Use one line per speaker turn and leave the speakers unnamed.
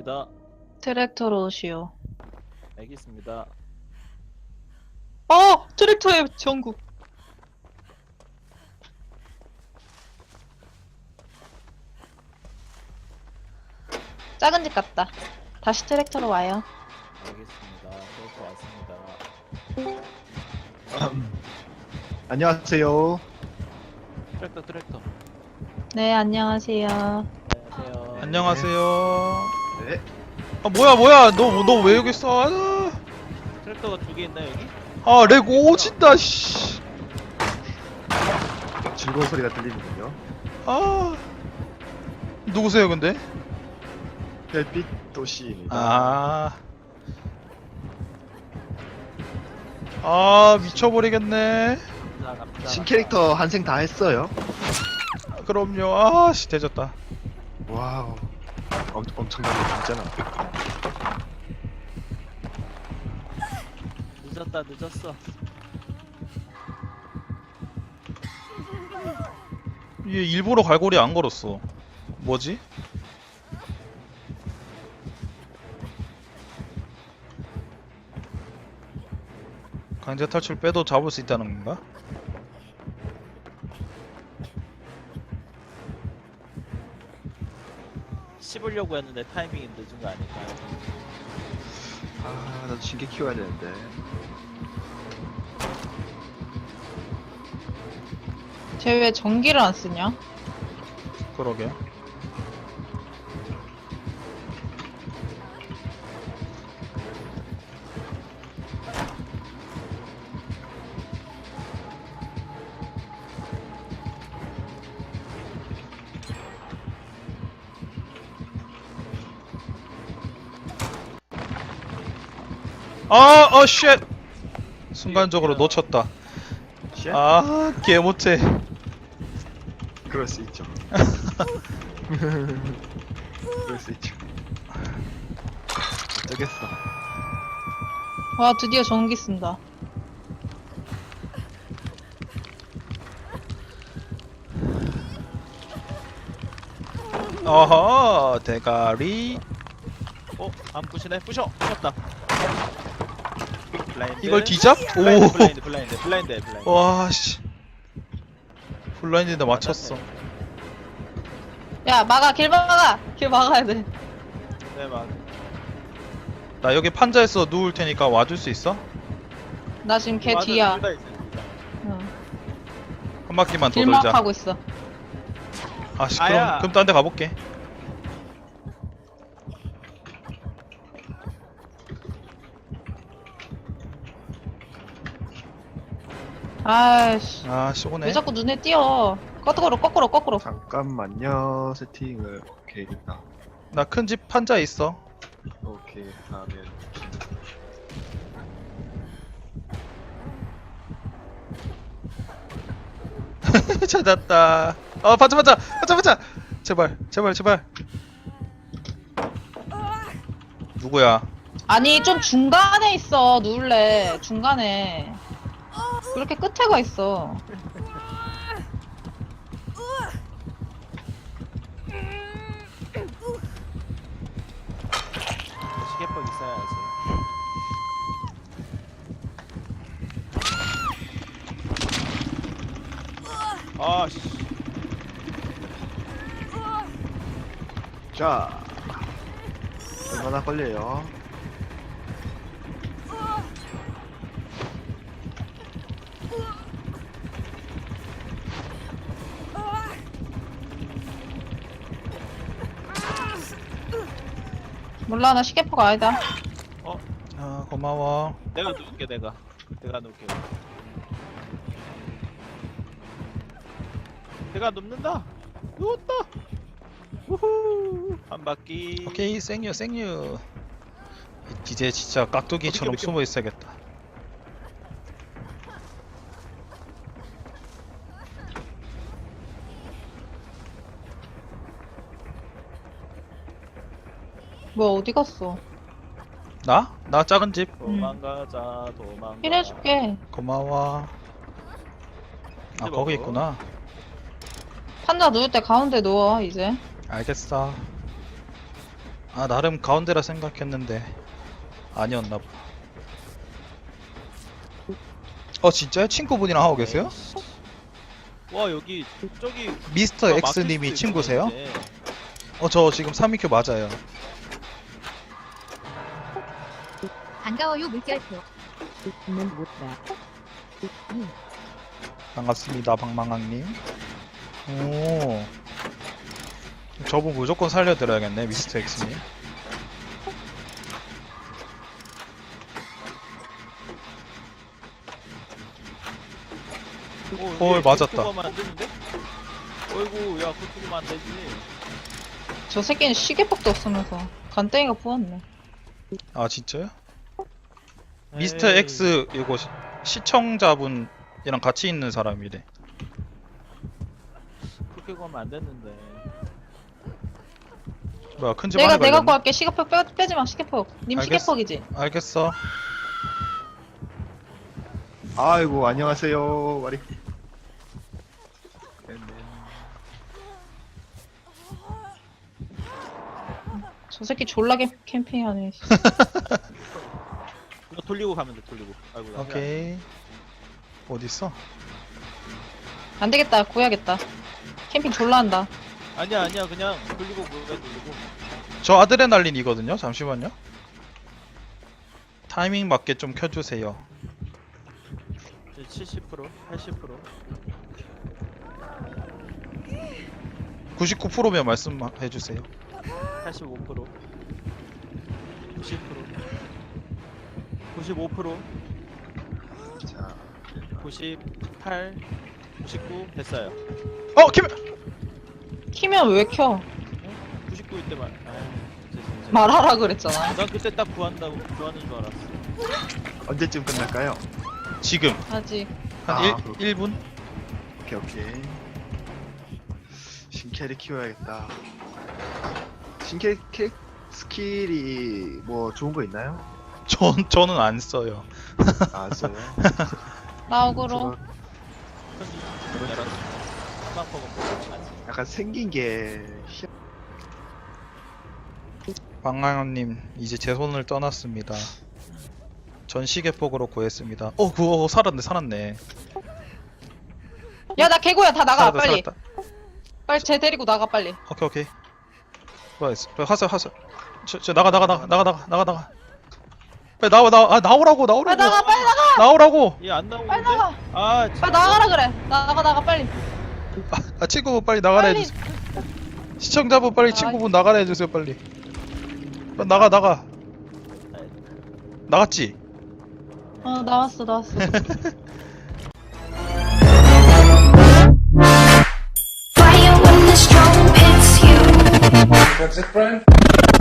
알겠습니다.
트랙터로 오시오.
알겠습니다.
트랙터의 전국. 작은 집 같다. 다시 트랙터로 와요.
알겠습니다. 그렇게 왔습니다.
안녕하세요.
트랙터.
네, 안녕하세요.
안녕하세요.
안녕하세요.
네.
아 뭐야 너 왜 여기 있어?
트랙터가 두 개 있나 여기?
렉 오진다 씨.
즐거운 소리가 들리는군요.
누구세요 근데?
별빛 도시입니다.
미쳐버리겠네.
남자.
신캐릭터 한생 다 했어요.
그럼요. 대졌다.
와우. 엄청나게 진짜나.
늦었어.
얘 일부러 갈고리 안 걸었어. 뭐지? 강제 탈출 빼도 잡을 수 있다는 건가?
씹으려고 했는데 타이밍이 늦은 거 아닐까요?
나도 신캐 키워야 되는데.
쟤 왜 전기를 안 쓰냐?
그러게. 쉣! 순간적으로 놓쳤다.
쉣?
개 못해.
그럴 수 있죠. 그럴 수 있죠. 어쩌겠어.
와, 드디어 전기 쓴다.
어허, 대가리.
안 부시네. 부셨다. 블라인드.
이걸 뒤잡?
블라인드.
와, 씨. 블라인드인데 맞췄어.
야, 길 막아야 돼.
네, 막.
나 여기 판자에서 누울 테니까 와줄 수 있어?
나 지금 걔
맞아,
뒤야.
둘다 있어요, 둘 다.
응.
한 바퀴만 더
길막
돌자.
하고 있어.
아씨,
아야.
그럼 딴 데 가볼게.
아이씨.
아씨, 오네.
왜 자꾸 눈에 띄어? 거꾸로.
잠깐만요. 세팅을 오케이 됐다.
나 큰 집 판자에 있어.
오케이 다음에
찾았다. 판자. 제발. 누구야?
아니, 좀 중간에 있어. 누울래. 중간에. 그렇게 끝에 가 있어.
시계법 있어야지. 아씨.
자 얼마나 걸려요?
몰라, 나 시계포가 아니다.
고마워.
내가 누울게. 내가 누울게. 내가 눕는다. 누웠다. 우후. 한 바퀴.
오케이, 생유. 이제 진짜 깍두기처럼
어떻게
숨어 있어야겠다.
뭐야, 어디 갔어?
나 작은 집.
도망가.
힐해줄게.
고마워. 거기 있구나.
판자 누울 때 가운데 누워, 이제.
알겠어. 아 나름 가운데라 생각했는데 아니었나 봐. 진짜요? 친구분이랑 하고 계세요?
와 여기 저기
미스터 X님이 친구세요? 저 지금 3위큐 맞아요.
반가워요 물결표.
반갑습니다 방망왕님. 오 저분 무조건 살려드려야겠네 미스터 X님. 맞았다.
가면 안 되는데? 어이구 야 그렇게 하면 안 되지.
저 새끼는 시계폭도 없으면서 간땡이가 부었네.
아 진짜요? 미스터 X 이거 시청자분이랑 같이 있는 사람이래.
그렇게 가면 안 됐는데.
뭐야 큰집
내가
안에
갖고
걸렸네?
갈게. 시계폭 빼지 마. 시계폭. 님
알겠어.
시계폭이지.
알겠어.
아이고 안녕하세요. 와리.
저 새끼 졸라 캠핑하네.
이거 돌리고 가면 돼. 돌리고. 아이고 나
오케이. 어딨어?
안 되겠다. 구해야겠다. 캠핑 졸라 한다.
아니야 그냥 돌리고 뭐가 돌리고.
저 아드레날린이거든요. 잠시만요. 타이밍 맞게 좀 켜주세요.
이제 70% 80%
99%면 말씀해주세요.
85% 90% 95%
자,
98 99 됐어요.
김!
키면 왜 켜?
99일 때만. 진짜.
말하라 그랬잖아.
난 그때 딱 구하는 줄 알았어.
언제쯤 끝날까요?
지금
아직.
한
아,
1분?
오케이. 신캐리 키워야겠다. 신캐리 스킬이 뭐 좋은 거 있나요?
저는 안 써요.
아, 써요.
나 억울로.
편지 열었어. 스마트폰
약간 생긴 게
방랑님 이제 제 손을 떠났습니다. 전 시계폭으로 구했습니다. 그거 살았네.
야, 나 개구야. 다 나가.
살았다,
빨리.
살았다.
빨리 쟤 데리고 나가 빨리.
오케이. 하세요. 저 나가. 빨리 나오라고.
빨리 나가. 빨리 나가.
나오라고.
얘안 나오는데?
빨리 나가.
아
빨리 나가라 그래. 나가 빨리.
친구분 빨리 나가라
빨리.
해주세요. 시청자분 빨리
아,
친구분 나가라 해주세요 빨리. 나가. 나갔지?
나왔어.
Fire when the strong hits you.
That's it, Brian?